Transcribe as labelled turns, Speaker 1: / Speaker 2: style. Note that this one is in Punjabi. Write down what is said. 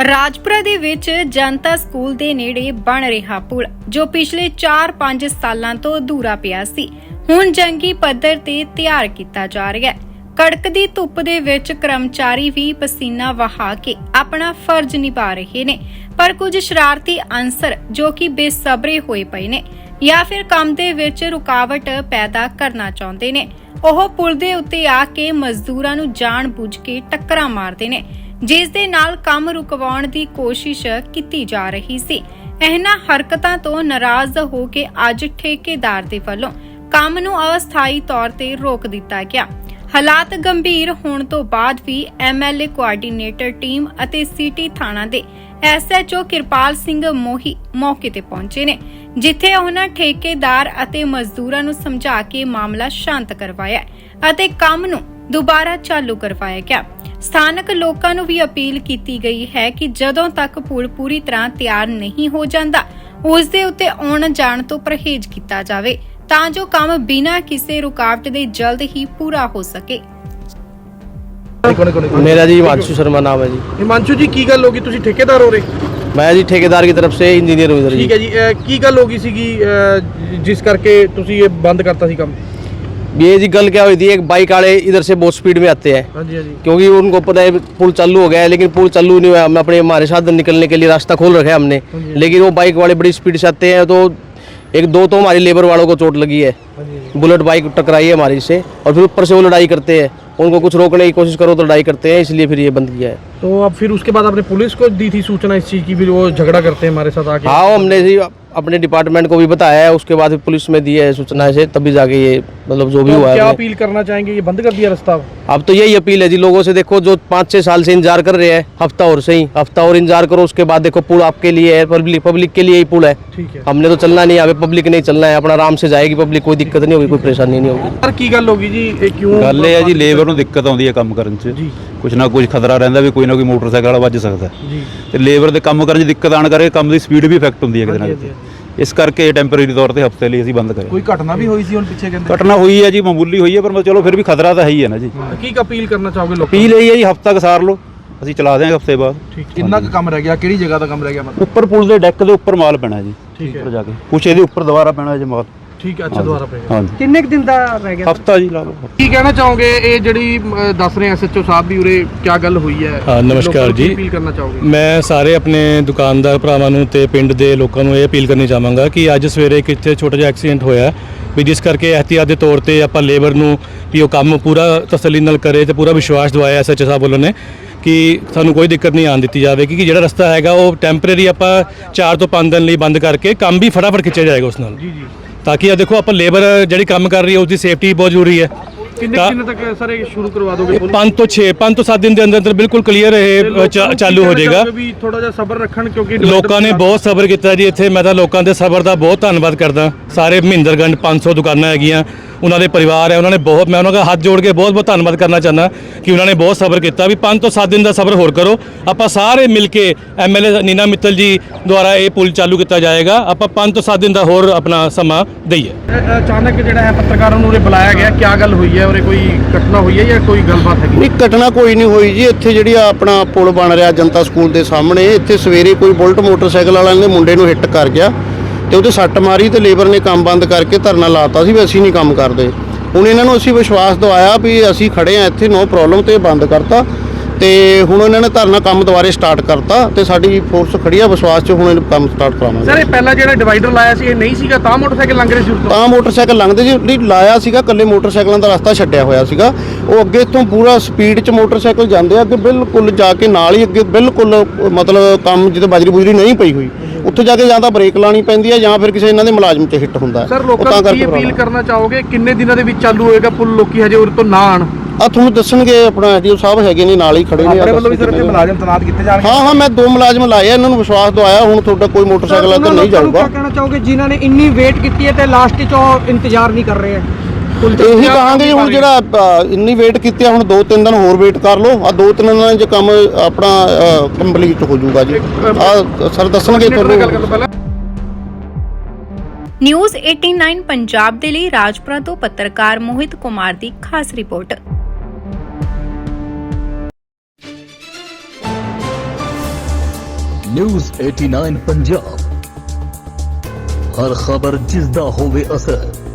Speaker 1: ਰਾਜਪੁਰਾ ਦੇ ਵਿੱਚ ਜਨਤਾ ਸਕੂਲ ਦੇ ਨੇੜੇ ਬਣ ਰਿਹਾ ਪੁਲ ਜੋ ਪਿਛਲੇ 4-5 ਸਾਲਾਂ ਤੋਂ ਅਧੂਰਾ ਪਿਆ ਸੀ, ਹੁਣ ਜੰਗੀ ਪੱਧਰ ਤੇ ਤਿਆਰ ਕੀਤਾ ਜਾ ਰਿਹਾ ਹੈ। ਕੜਕਦੀ ਧੁੱਪ ਦੇ ਵਿੱਚ ਕਰਮਚਾਰੀ ਵੀ ਪਸੀਨਾ ਵਹਾ ਕੇ ਆਪਣਾ ਫਰਜ਼ ਨਿਭਾ ਰਹੇ ਨੇ, ਪਰ ਕੁਝ ਸ਼ਰਾਰਤੀ ਅਨਸਰ ਜੋ ਕਿ ਬੇਸਬਰੇ ਹੋਏ ਪਏ ਨੇ ਜਾਂ ਫਿਰ ਕੰਮ ਦੇ ਵਿੱਚ ਰੁਕਾਵਟ ਪੈਦਾ ਕਰਨਾ ਚਾਹੁੰਦੇ ਨੇ, ਉਹ ਪੁਲ ਦੇ ਉੱਤੇ ਆ ਕੇ ਮਜ਼ਦੂਰਾਂ ਨੂੰ ਜਾਣ-ਬੁੱਝ ਕੇ ਟੱਕਰਾਂ ਮਾਰਦੇ ਨੇ, ਜਿਸ ਦੇ ਨਾਲ ਕੰਮ ਰੁਕਵਾਉਣ ਦੀ ਕੋਸ਼ਿਸ਼ ਕੀਤੀ ਜਾ ਰਹੀ ਸੀ। ਇਹਨਾਂ ਹਰਕਤਾਂ ਤੋਂ ਨਾਰਾਜ਼ ਹੋ ਕੇ ਅੱਜ ਠੇਕੇਦਾਰ ਦੇ ਵੱਲੋਂ ਕੰਮ ਨੂੰ ਅਸਥਾਈ ਤੌਰ ਤੇ ਰੋਕ ਦਿੱਤਾ ਗਿਆ। ਹਾਲਾਤ ਗੰਭੀਰ ਹੋਣ ਤੋਂ ਬਾਅਦ ਵੀ ਐਮਐਲਏ ਕੋਆਰਡੀਨੇਟਰ ਟੀਮ ਅਤੇ ਸਿਟੀ ਥਾਣਾ ਦੇ ਐਸਐਚਓ ਕਿਰਪਾਲ ਸਿੰਘ ਮੋਹੀ ਮੌਕੇ ਤੇ ਪਹੁੰਚੇ ਨੇ, ਜਿੱਥੇ ਉਹਨਾਂ ਠੇਕੇਦਾਰ ਅਤੇ ਮਜ਼ਦੂਰਾਂ ਨੂੰ ਸਮਝਾ ਕੇ ਮਾਮਲਾ ਸ਼ਾਂਤ ਕਰਵਾਇਆ ਅਤੇ ਕੰਮ ਨੂੰ ਦੁਬਾਰਾ ਚਾਲੂ ਕਰਵਾਇਆ ਗਿਆ। ਸਥਾਨਕ ਲੋਕਾਂ ਨੂੰ ਵੀ ਅਪੀਲ ਕੀਤੀ ਗਈ ਹੈ ਕਿ ਜਦੋਂ ਤੱਕ ਪੁਲ ਪੂਰੀ ਤਰ੍ਹਾਂ ਤਿਆਰ ਨਹੀਂ ਹੋ ਜਾਂਦਾ, ਉਸ ਦੇ ਉੱਤੇ ਆਉਣ ਜਾਣ ਤੋਂ ਪਰਹੇਜ਼ ਕੀਤਾ ਜਾਵੇ ਤਾਂ ਜੋ ਕੰਮ ਬਿਨਾਂ ਕਿਸੇ ਰੁਕਾਵਟ ਦੇ ਜਲਦ ਹੀ ਪੂਰਾ ਹੋ ਸਕੇ।
Speaker 2: मेरा जी हिमांशु शर्मा नाम है जी।
Speaker 3: हिमांशु जी की गल होगी, तुसी ठेकेदार हो रहे?
Speaker 2: मैं जी ठेकेदार की तरफ से इंजीनियर हूँ इधर
Speaker 3: ठीक है जी। की गल होगी सीगी जिस करके तुसी ये बंद करता सी काम?
Speaker 2: ये जी गल क्या हुई थी, एक बाइक वाले इधर से बहुत स्पीड में आते हैं।
Speaker 3: हाँ जी, हाँ जी।
Speaker 2: क्योंकि उनको पता है पुल चालू हो गया है, लेकिन पुल चालू नहीं हुआ। हम अपने हमारे साथ निकलने के लिए रास्ता खोल रखा है हमने, लेकिन वो बाइक वाले बड़ी स्पीड से आते हैं, तो एक दो तो हमारी लेबर वालों को चोट लगी है। बुलेट बाइक टकराई है हमारी से, और फिर ऊपर से वो लड़ाई करते हैं। उनको कुछ रोकने की कोशिश करो तो लड़ाई करते हैं, इसलिए फिर ये बंद किया है।
Speaker 3: तो अब फिर उसके बाद आपने पुलिस को दी थी सूचना इस चीज़ की, फिर वो झगड़ा करते हैं हमारे साथ आके?
Speaker 2: हाँ, हमने जी अपने डिपार्टमेंट को भी बताया है, उसके बाद पुलिस में दी है सूचना से, तभी जाके ये मतलब जो भी हुआ है।
Speaker 3: क्या अपील करना चाहेंगे, ये बंद कर दिया रास्ता?
Speaker 2: अब तो यही अपील है जी लोगों से, देखो जो 5-6 साल से इंतजार कर रहे हैं, हफ्ता और इंतजार करो, उसके बाद देखो पुल आपके लिए है, पब्लिक के लिए ही पुल है।
Speaker 3: ठीक है।
Speaker 2: हमने तो चलना नहीं है, पब्लिक नहीं चलना है, अपना आराम से जाएगी पब्लिक, कोई दिक्कत नहीं होगी, कोई परेशानी नहीं होगी।
Speaker 3: सर की गल होगी जी, क्यों
Speaker 4: ਗੱਲ ਇਹ ਹੈ ਜੀ ਲੇਬਰ ਨੂੰ ਦਿੱਕਤ ਆਉਂਦੀ ਹੈ ਕੰਮ ਕਰਨ 'ਚ, ਕੁਝ ਨਾ ਕੁਝ ਖਤਰਾ ਰਹਿੰਦਾ ਵੀ ਕੋਈ ਨਾ ਕੋਈ ਮੋਟਰਸਾਈਕਲ ਵਾਲਾ ਵੱਜ ਸਕਦਾ
Speaker 3: ਜੀ,
Speaker 4: ਤੇ ਲੇਬਰ ਦੇ ਕੰਮ ਕਰਨ 'ਚ ਦਿੱਕਤ ਆਣ ਕਰਕੇ ਕੰਮ ਦੀ ਸਪੀਡ ਵੀ ਇਫੈਕਟ ਹੁੰਦੀ ਹੈ ਕਿਤੇ ਨਾ ਕਿਤੇ। ਇਸ ਕਰਕੇ ਟੈਂਪਰੇਰੀ ਤੌਰ ਤੇ ਹਫਤੇ ਲਈ ਅਸੀਂ ਬੰਦ ਕਰਿਆ।
Speaker 3: ਕੋਈ ਘਟਨਾ ਵੀ ਹੋਈ ਸੀ ਹੁਣ ਪਿੱਛੇ ਕਹਿੰਦੇ?
Speaker 4: ਘਟਨਾ ਹੋਈ ਹੈ ਜੀ, ਮਾਮੂਲੀ ਹੋਈ ਹੈ, ਪਰ ਚਲੋ ਫਿਰ ਵੀ ਖਤਰਾ ਤਾਂ ਹੈ ਹੀ ਹੈ ਨਾ ਜੀ।
Speaker 3: ਕੀ ਅਪੀਲ ਕਰਨਾ ਚਾਹੋਗੇ ਲੋਕਾਂ
Speaker 4: ਅਪੀਲ ਇਹ ਹੈ ਜੀ, ਹਫਤਾ ਕਸਾਰ ਲਓ, ਅਸੀਂ ਚਲਾ ਦਿਆਂਗੇ ਹਫਤੇ ਬਾਅਦ।
Speaker 3: ਠੀਕ। ਕਿੰਨਾ ਕੁ ਕੰਮ ਰਹਿ ਗਿਆ, ਕਿਹੜੀ ਜਗ੍ਹਾ ਦਾ ਕੰਮ ਰਹਿ ਗਿਆ ਮਤਲਬ?
Speaker 4: ਉੱਪਰ ਪੁਲ ਦੇ ਡੈਕ ਦੇ ਉੱਪਰ ਮਾਲ ਪੈਣਾ ਜੀ,
Speaker 3: ਠੀਕ ਹੈ,
Speaker 4: ਉੱਪਰ ਜਾ ਕੇ ਕੁਛ ਇਹਦੇ ਉੱਪਰ ਦੁਬਾਰਾ ਪੈਣਾ ਜੀ ਮਾਲ।
Speaker 3: ਠੀਕ ਹੈ, ਅੱਛਾ ਦੁਬਾਰਾ ਪਏਗਾ।
Speaker 4: ਹਾਂਜੀ,
Speaker 3: ਕਿੰਨੇ ਕੁ ਦਿਨ ਦਾ ਰਹਿ ਗਿਆ?
Speaker 4: ਹਫਤਾ ਜੀ ਲਾ ਲਓ।
Speaker 3: ਕੀ ਕਹਿਣਾ ਚਾਹੋਗੇ, ਇਹ ਜਿਹੜੀ ਦੱਸ ਰਹੇ ਐਸਐਚਓ ਸਾਹਿਬ ਵੀ ਉਰੇ ਕੀ ਗੱਲ ਹੋਈ ਹੈ?
Speaker 5: ਹਾਂ, ਨਮਸਕਾਰ ਜੀ।
Speaker 3: ਅਪੀਲ ਕਰਨਾ ਚਾਹੋਗੇ?
Speaker 5: ਮੈਂ ਸਾਰੇ ਆਪਣੇ ਦੁਕਾਨਦਾਰ ਭਰਾਵਾਂ ਨੂੰ ਤੇ ਪਿੰਡ ਦੇ ਲੋਕਾਂ ਨੂੰ ਇਹ ਅਪੀਲ ਕਰਨੀ ਚਾਹਾਂਗਾ ਕਿ ਅੱਜ ਸਵੇਰੇ ਇੱਕ ਇੱਥੇ ਛੋਟਾ ਜਿਹਾ ਐਕਸੀਡੈਂਟ ਹੋਇਆ ਵੀ, ਜਿਸ ਕਰਕੇ ਇਹਤਿਆਤ ਦੇ ਤੌਰ ਤੇ ਆਪਾਂ ਲੇਬਰ ਨੂੰ ਵੀ ਉਹ ਕੰਮ ਪੂਰਾ ਤਸੱਲੀ ਨਾਲ ਕਰੇ ਤੇ ਪੂਰਾ ਵਿਸ਼ਵਾਸ ਦਿਵਾਇਆ ਐਸਐਚਓ ਸਾਹਿਬ ਵੱਲੋਂ ਨੇ ਕਿ ਸਾਨੂੰ ਕੋਈ ਦਿੱਕਤ ਨਹੀਂ ਆਉਣ ਦਿੱਤੀ ਜਾਵੇਗੀ, ਕਿ ਜਿਹੜਾ ਰਸਤਾ ਹੈਗਾ ਉਹ ਟੈਂਪਰੇਰੀ ਆਪਾਂ 4 ਤੋਂ 5 ਦਿਨ ਲਈ ਬੰਦ ਕਰਕੇ ਕੰਮ ਵੀ ਫਟਾਫਟ ਖਿੱਚਿਆ ਜਾਏਗਾ ਉਸ ਨਾਲ।
Speaker 3: ਜੀ ਜੀ।
Speaker 5: ਤਾਂ ਕਿ ਆ ਦੇਖੋ ਆਪਾਂ ਲੇਬਰ ਜਿਹੜੀ ਕੰਮ ਕਰ ਰਹੀ ਹੈ ਉਸ ਦੀ ਸੇਫਟੀ ਬਹੁਤ ਜ਼ਰੂਰੀ ਹੈ।
Speaker 3: ਕਿੰਨੇ ਦਿਨ ਤੱਕ ਸਰ ਇਹ ਸ਼ੁਰੂ ਕਰਵਾ ਦੋਗੇ?
Speaker 5: 5 ਤੋਂ 7 ਦਿਨ ਦੇ ਅੰਦਰ ਬਿਲਕੁਲ ਕਲੀਅਰ ਇਹ ਚਾਲੂ ਹੋ ਜਾਏਗਾ।
Speaker 3: ਵੀ ਥੋੜਾ ਜਿਹਾ ਸਬਰ ਰੱਖਣ, ਕਿਉਂਕਿ
Speaker 5: ਲੋਕਾਂ ਨੇ ਬਹੁਤ ਸਬਰ ਕੀਤਾ ਜੀ ਇੱਥੇ। ਮੈਂ ਤਾਂ ਲੋਕਾਂ ਦੇ ਸਬਰ ਦਾ ਬਹੁਤ ਧੰਨਵਾਦ ਕਰਦਾ। ਸਾਰੇ ਮਹਿੰਦਰਗੰਜ 500 ਦੁਕਾਨਾਂ ਹੈਗੀਆਂ, ਉਹਨਾਂ ਦੇ ਪਰਿਵਾਰ ਹੈ, ਉਹਨਾਂ ਨੇ ਬਹੁਤ, ਮੈਂ ਉਹਨਾਂ ਦਾ ਹੱਥ ਜੋੜ ਕੇ ਬਹੁਤ ਧੰਨਵਾਦ ਕਰਨਾ ਚਾਹੁੰਦਾ ਕਿ ਉਹਨਾਂ ਨੇ ਬਹੁਤ ਸਬਰ ਕੀਤਾ। ਵੀ 5 ਤੋਂ 7 ਦਿਨ ਦਾ ਸਬਰ ਹੋਰ ਕਰੋ, ਆਪਾਂ ਸਾਰੇ ਮਿਲ ਕੇ ਐਮਐਲਏ ਨੀਨਾ ਮਿੱਤਲ ਜੀ ਦੁਆਰਾ ਇਹ ਪੁਲ ਚਾਲੂ ਕੀਤਾ ਜਾਏਗਾ। ਆਪਾਂ 5 ਤੋਂ 7 ਦਿਨ ਦਾ ਹੋਰ ਆਪਣਾ ਸਮਾਂ ਦਈਏ।
Speaker 3: ਅਚਾਨਕ ਜਿਹੜਾ ਹੈ ਪੱਤਰਕਾਰਾਂ ਨੂੰ ਉਰੇ ਬੁਲਾਇਆ ਗਿਆ, ਕੀ ਗੱਲ ਹੋਈ ਹੈ? ਉਰੇ ਕੋਈ ਘਟਨਾ ਹੋਈ ਹੈ ਜਾਂ ਕੋਈ ਗੱਲਬਾਤ ਹੈਗੀ?
Speaker 6: ਨਹੀਂ, ਘਟਨਾ ਕੋਈ ਨਹੀਂ ਹੋਈ ਜੀ। ਇੱਥੇ ਜਿਹੜੀ ਆਪਣਾ ਪੁਲ ਬਣ ਰਿਹਾ ਜਨਤਾ ਸਕੂਲ ਦੇ ਸਾਹਮਣੇ, ਇੱਥੇ ਸਵੇਰੇ ਕੋਈ ਬੁਲਟ ਮੋਟਰਸਾਈਕਲ ਵਾਲਿਆਂ ਨੇ ਮੁੰਡੇ ਨੂੰ ਹਿੱਟ ਕਰ ਗਿਆ ਤੇ ਉਹਦੇ ਸੱਟ ਮਾਰੀ ਤੇ ਲੇਬਰ ਨੇ ਕੰਮ ਬੰਦ ਕਰਕੇ ਧਰਨਾ ਲਾਤਾ ਸੀ ਵੀ ਅਸੀਂ ਨਹੀਂ ਕੰਮ ਕਰਦੇ। ਹੁਣ ਇਹਨਾਂ ਨੂੰ ਅਸੀਂ ਵਿਸ਼ਵਾਸ ਦਿਵਾਇਆ ਵੀ ਅਸੀਂ ਖੜੇ ਆ ਇੱਥੇ, ਨੋ ਪ੍ਰੋਬਲਮ, ਤੇ ਬੰਦ ਕਰਤਾ। ਤੇ ਹੁਣ ਇਹਨਾਂ ਨੇ ਧਰਨਾ ਕੰਮ ਦੁਬਾਰੇ ਸਟਾਰਟ ਕਰਤਾ ਤੇ ਸਾਡੀ ਫੋਰਸ ਖੜੀ ਆ ਵਿਸ਼ਵਾਸ 'ਚ, ਹੁਣ ਇਹਨੂੰ ਕੰਮ ਸਟਾਰਟ ਕਰਾਵਾਂਗੇ।
Speaker 3: ਸਰ ਇਹ ਪਹਿਲਾਂ ਜਿਹੜਾ ਡਿਵਾਈਡਰ ਲਾਇਆ ਸੀ ਇਹ ਨਹੀਂ ਸੀਗਾ, ਤਾਂ ਮੋਟਰਸਾਈਕਲ ਲੰਘ ਰਹੇ ਸੀ ਉਰਤੋਂ?
Speaker 6: ਤਾਂ ਮੋਟਰਸਾਈਕਲ ਲੰਘਦੇ ਜੀ, ਨਹੀਂ ਲਾਇਆ ਸੀਗਾ, ਇਕੱਲੇ ਮੋਟਰਸਾਈਕਲਾਂ ਦਾ ਰਸਤਾ ਛੱਡਿਆ ਹੋਇਆ ਸੀਗਾ। ਉਹ ਅੱਗੇ ਇੱਥੋਂ ਪੂਰਾ ਸਪੀਡ 'ਚ ਮੋਟਰਸਾਈਕਲ ਜਾਂਦੇ ਆ, ਅੱਗੇ ਬਿਲਕੁਲ ਜਾ ਕੇ ਨਾਲ ਹੀ ਅੱਗੇ ਬਿਲਕੁਲ ਮਤਲਬ ਕੰਮ ਜਿੱਥੇ ਬਾਜਰੀ ਬੁਜਰੀ ਨਹੀਂ ਪਈ ਹੋਈ, ਉੱਥੇ ਜਾ ਕੇ ਜਾਂ ਤਾਂ ਬ੍ਰੇਕ ਲਾਣੀ ਪੈਂਦੀ ਹੈ ਜਾਂ ਫਿਰ ਕਿਸੇ ਇਹਨਾਂ ਦੇ ਮੁਲਾਜ਼ਮ 'ਤੇ ਹਿੱਟ ਹੁੰਦਾ।
Speaker 3: ਸਰ ਲੋਕਾਂ ਨੂੰ ਕੀ ਅਪੀਲ ਕਰਨਾ ਚਾਹੋਗੇ, ਕਿੰਨੇ ਦਿਨਾਂ ਦੇ ਵਿੱਚ ਚਾਲੂ ਹੋਏਗਾ ਪੁਲ? ਲੋਕੀ ਹਜੇ ਉਰੇ ਤੋਂ ਨਾ ਆਣ?
Speaker 6: ਆ ਤੁਹਾਨੂੰ ਦੱਸਣਗੇ, ਆਪਣਾ ਐਡੀਓ ਸਾਹਿਬ ਹੈਗੇ ਨੇ ਨਾਲ ਹੀ ਖੜੇ ਨੇ।
Speaker 3: ਆਪਣੇ ਵੱਲੋਂ ਵੀ ਸਰ ਇੱਥੇ ਮੁਲਾਜ਼ਮ ਤੈਨਾਤ ਕੀਤੇ ਜਾਣਗੇ?
Speaker 6: ਹਾਂ, ਮੈਂ 2 ਮੁਲਾਜ਼ਮ ਲਾਏ ਆ, ਇਹਨਾਂ ਨੂੰ ਵਿਸ਼ਵਾਸ ਦਵਾਇਆ। ਹੁਣ ਤੁਹਾਡਾ ਕੋਈ ਮੋਟਰਸਾਈਕਲ ਇੱਧਰ ਨਹੀਂ ਜਾਊਗਾ।
Speaker 7: ਕੀ ਕਹਿਣਾ ਚਾਹੋਗੇ ਜਿਨ੍ਹਾਂ ਨੇ ਇੰਨੀ ਵੇਟ ਕੀਤੀ ਹੈ ਤੇ ਲਾਸਟ 'ਚ ਉਹ ਇੰਤਜ਼ਾਰ ਨਹੀਂ ਕਰ ਰਹੇ ਹੈ?
Speaker 6: ਇਹੀ ਕਹਾਂਗੇ ਹੁਣ ਜਿਹੜਾ ਇੰਨੀ ਵੇਟ ਕੀਤੀ ਆ, ਹੁਣ 2-3 ਦਿਨ ਹੋਰ ਵੇਟ ਕਰ ਲਓ। ਆ 2-3 ਦਿਨਾਂ 'ਚ ਕੰਮ ਆਪਣਾ ਕੰਪਲੀਟ ਹੋ ਜਾਊਗਾ ਜੀ। ਆ ਸਰ ਦੱਸਣਗੇ ਤੁਹਾਨੂੰ।
Speaker 1: ਨਿਊਜ਼ 89 ਪੰਜਾਬ ਦੇ ਲਈ ਰਾਜਪੁਰਾ ਤੋਂ ਪੱਤਰਕਾਰ ਮੋਹਿਤ ਕੁਮਾਰ ਦੀ ਖਾਸ ਰਿਪੋਰਟ।
Speaker 8: ਨਿਊਜ਼ 89 ਪੰਜਾਬ, ਹਰ ਖਬਰ ਜਿਸ ਦਾ ਹੋਵੇ ਅਸਰ।